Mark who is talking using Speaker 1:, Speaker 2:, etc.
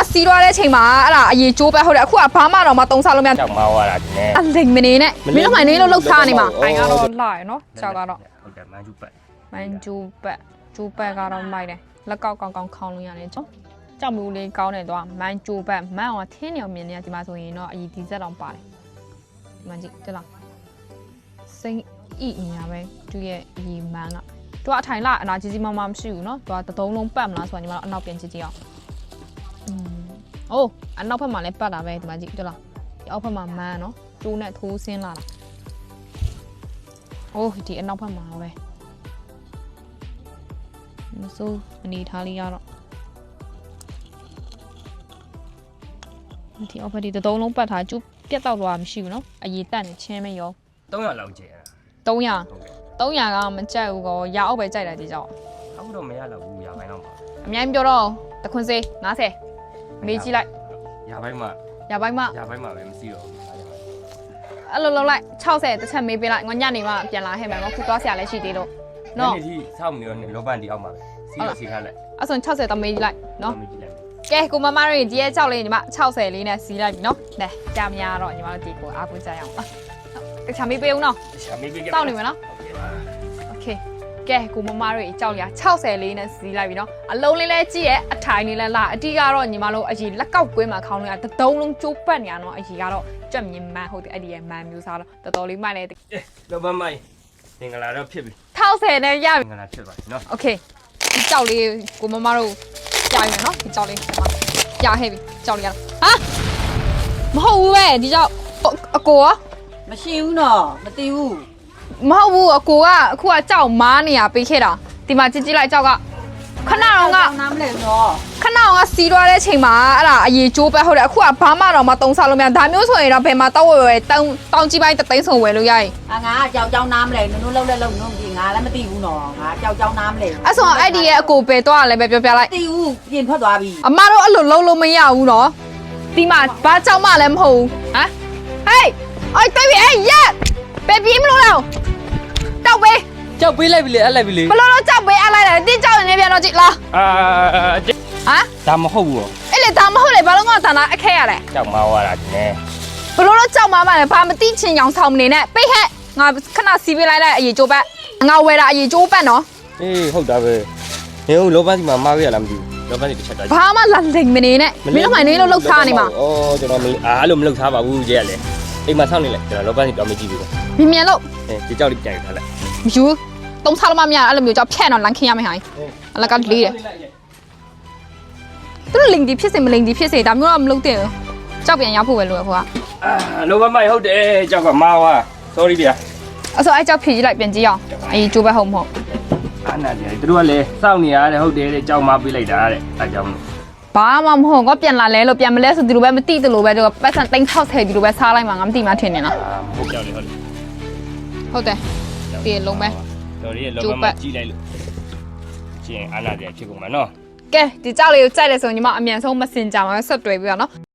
Speaker 1: စီးသွားတဲ့အချိန်မှာအဲ့ဒါအရေးကျိုးပဲဟုတ်တယ်အခုကဘာမှတော့မတုံးစားလို့မရ
Speaker 2: ကြောက်မောင်းရတာဒီနေ့
Speaker 1: အလိမ်မနေနဲ့မင်းတို့မှနေလို့လှုပ်ထားနေမှာအိုင်ကတော့လှရနော်ကြောက်ကတော့
Speaker 2: ဟုတ်တယ်မန်ဂျူပတ်
Speaker 1: မန်ဂျူပတ်ဂျူပတ်ကတော့မိုက်တယ်လက်ကောက်ကောင်းကောင်းခေါင်းလို့ရတယ်ကြောကြောက်မူလေးကောင်းတယ်တော့မန်ဂျူပတ်မန်အောင်ထင်းနေအောင်မြင်နေရဒီမှာဆိုရင်တော့အရေးဒီဇက်တောင်ပါတယ်ဒီမှာကြည့်တက်လားစိမ့်ဤညာပဲသူရဲ့အရေးမန်ကသူကအထိုင်လာအနာကြီးကြီးမမမရှိဘူးနော်သူကတသုံးလုံးပတ်မလားဆိုတော့ညီမတို့အနောက်ပြန်ကြည့်ကြည့်အောင်အိုးအနောက်ဘက်မှာလည်းပတ်တာပဲဒီမှာကြည့်တက်လားဒီအောက်ဘက်မှာမန်နော်ကျိုးနဲ့ထိုးဆင်းလာတာအိုးဒီအနောက်ဘက်မှာပဲမစိုးအနေထားလေးရတော့ဒီအောက်ဘက်ဒီတသုံးလုံးပတ်ထားကျူးပြတ်တော့တော့မရှိဘူးနော်အရေးတက်နေချင်းမရော
Speaker 2: 300လောက်ကျဲ
Speaker 1: 300ကမကြိုက်ဘူးကောရအောက်ပဲကြိုက်တယ်ဒီကြောင့်
Speaker 2: အခုတော့မရတော့ဘူးရပိုင်းတော့ပါ
Speaker 1: အများကြီးပြောတော့တခွန်းစေး90မေးကြည့်လိုက်
Speaker 2: ရပိုင်းမှာ
Speaker 1: ရပိုင်းမှ
Speaker 2: ပဲမရှိတော့ဘူး
Speaker 1: အဲ့လိုလောက်လိုက်60တစ်ချက်မေးပေးလိုက်ငါညနေမှပြန်လာဟဲ့မယ်ငါခုသွားဆရာလည်းရှိသေးလို့နော်
Speaker 2: ဒီနေ့စောင့်နေတော့လောပန်ဒီအောက်မှာပဲစီးရစီခါလိုက်
Speaker 1: အဲ့ဆို60တော့မေးကြည့်လိုက်နော်
Speaker 2: မေးကြည့်လို
Speaker 1: က
Speaker 2: က်
Speaker 1: ဲကိုမမတို့ဒီရဲ့6လေးညီမ60လေးနဲ့စီးလိုက်ပြီနော်နဲကြာမရတော့ညီမတို့ဒီကိုအားကိုးကြရအောင်တခြားမေးပေးဦးနော်
Speaker 2: ရှာမေးပေး
Speaker 1: တောက်နေမယ်နော်โอเคကဲကိုမမတို့ကြောက်ရ60လေးနဲ့စီးလိုက်ပြီနော်အလုံးလေးလဲကြည့်ရဲ့အထိုင်လေးလဲလာအတီးကတော့ညီမတို့အကြီးလက်ကောက်ကွင်းမှာခေါင်းလေးကတသုံးလုံးကျိုးပတ်နေရတော့အကြီးကတော့ကြက်မြင်မှန်ဟုတ်တယ်အဲ့ဒီရဲ့မှန်မျိုးစားတော့တော်တော်လေးမိုက်လိုက်တယ်
Speaker 2: လောပန်မိုင်းသင်္ဂလာတော့ဖြစ်ပြီ
Speaker 1: 60နဲ့ရပြီ
Speaker 2: သင်္ဂလာဖြစ်ပါပြီနော်
Speaker 1: โอเคဒီကြောက်လေးကိုမမတို့ကြာပြီနော်ဒီကြောက်လေးဒီမှာကြာဟဲ့ပြီကြောက်လေးရဟာမဟုတ်ဘူးပဲဒီကြောက်အကိုရော
Speaker 3: မရှိဘူးနော်မသိဘူး
Speaker 1: မဟုတ်ဘူးအကိုကအခုကကြောက်မားနေရပေးခဲ့တာဒီမှာကြည့်ကြည့်လိုက်ကြောက်ကခဏတော့က
Speaker 3: နားမလဲနော်
Speaker 1: ခဏတော့ကစီးသွားတဲ့အချိန်မှာအဲ့ဒါအရေးကျိုးပဲဟုတ်တယ်အခုကဘာမှတော့မတုံးစားလို့မရဒါမျိုးဆိုရင်တော့ဘယ်မှာတောက်ဝဲတောင်းကြီးပိုင်းတသိန်းစုံဝယ်လို့ရရင်
Speaker 3: ငါကြောက်ကြောင်းနားမလဲနုံလုံးလဲလုံးနုံဒီငါလည်းမသိဘူးနော်ငါကြောက်ကြောင်းနားမလဲ
Speaker 1: အဲ့ဆိုအဲ့ဒီရဲ့အကိုပဲတော့လည်းပဲပြောပြလိုက်
Speaker 3: မသိဘူးပြင်ထွက်သွားပြီ
Speaker 1: အမတို့အဲ့လိုလုံးလို့မရဘူးနော်ဒီမှာဘာကြောက်မှလည်းမဟုတ်ဘူးဟမ်ဟေးအိုက်တေးပြီအေးရက်ပဲပြေးမလို့တော့တောက်ပဲ
Speaker 2: ကြောက်ပေးလိုက်ပြီလေအဲ့လိုက်ပြီလေ
Speaker 1: ဘလို့တော့ကြောက်ပဲအလိုက်တယ်တင်းကြောက်နေပြန်တော့ကြည့်လား
Speaker 2: အာ
Speaker 1: ဟမ်
Speaker 2: ဒါမဟုတ်ဘူးရော
Speaker 1: အဲ့လေဒါမဟုတ်လေဘာလို့ငါတန်တာအခက်ရလဲ
Speaker 2: ကြောက်မောင်းရတာဒီနေ့
Speaker 1: ဘလို့တော့ကြောက်မှမလဲဘာမသိချင်အောင်ဆောင်မနေနဲ့ပိတ်ဟက်ငါခဏစီးပေးလိုက်လိုက်အရေးကျိုးပတ်ငါဝယ်တာအရေးကျိုးပတ်နော်
Speaker 2: အေးဟုတ်တာပဲနေဦးလောပန်စီမှာမားရလားမသိဘူးလောပန်စီတစ်ချက်တော့
Speaker 1: ဘာမှလာလိမ်မနေနဲ့မင်းတို့မှနေလို့လှုပ်ထားနေမှာ
Speaker 2: ဩကျွန်တော်မအားလို့မလှုပ်ထားပါဘူးကြည့်ရလေအိမ်မှာဆောက်နေလေကျွန်တော်လောပန်စီတော့မကြည့်ဘူး
Speaker 1: မြန်လို့
Speaker 2: ဒီကြောက်လေးပြန်ထားလိုက်
Speaker 1: မယူတုံးစားလို့မမရအဲ့လိုမျိုးကြောက်ဖြဲ့တော့လန်ခင်းရမယ်ဟိုင်းအလကလေးတယ်သူတို့လိန်ဒီဖြစ်စေမလိန်ဒီဖြစ်စေဒါမျိုးတော့မလုပ်သင့်ဘူးကြောက်ပြန်ရောက်ဖို့ပဲလို့ဟိုက
Speaker 2: လောပန်မိုင်ဟုတ်တယ်ကြောက်ကမာဝါ sorry ဗျာ
Speaker 1: အဲ့ဆိုအဲ့ကြောက်ဖြည့်ကြည့်လိုက်ပြန်ကြည့်အောင်အေးကျိုးပဲဟုတ်မဟုတ်
Speaker 2: အာနာတယ်သူတို့ကလည်းစောင့်နေရတယ်ဟုတ်တယ်တဲ့ကြောက်မပေးလိုက်တာတဲ့အဲကြောင့်
Speaker 1: ဘာမှမဟုတ်ငါပြန်လာလဲလို့ပြန်မလဲဆိုဒီလိုပဲမသိတယ်လို့ပဲသူကပတ်စံ360ဒီလိုပဲစားလိုက်မှာငါမသိမှထင်နေလား
Speaker 2: ဟုတ်ကြောက်လေဟုတ်လေ
Speaker 1: ဟုတ်တယ်ဒီလုံးပဲ
Speaker 2: sorry လောပန်မကြည့်လိုက်လို့ရှင်အာနာတယ်ဖြစ်ကုန်မှာနော်
Speaker 1: ကဲဒီကြောက်လေးကိုကြိုက်တယ်ဆိုရင်ညီမအမြန်ဆုံးမစင်ကြမှာပဲဆက်တွေ့ပြီးတော့နော်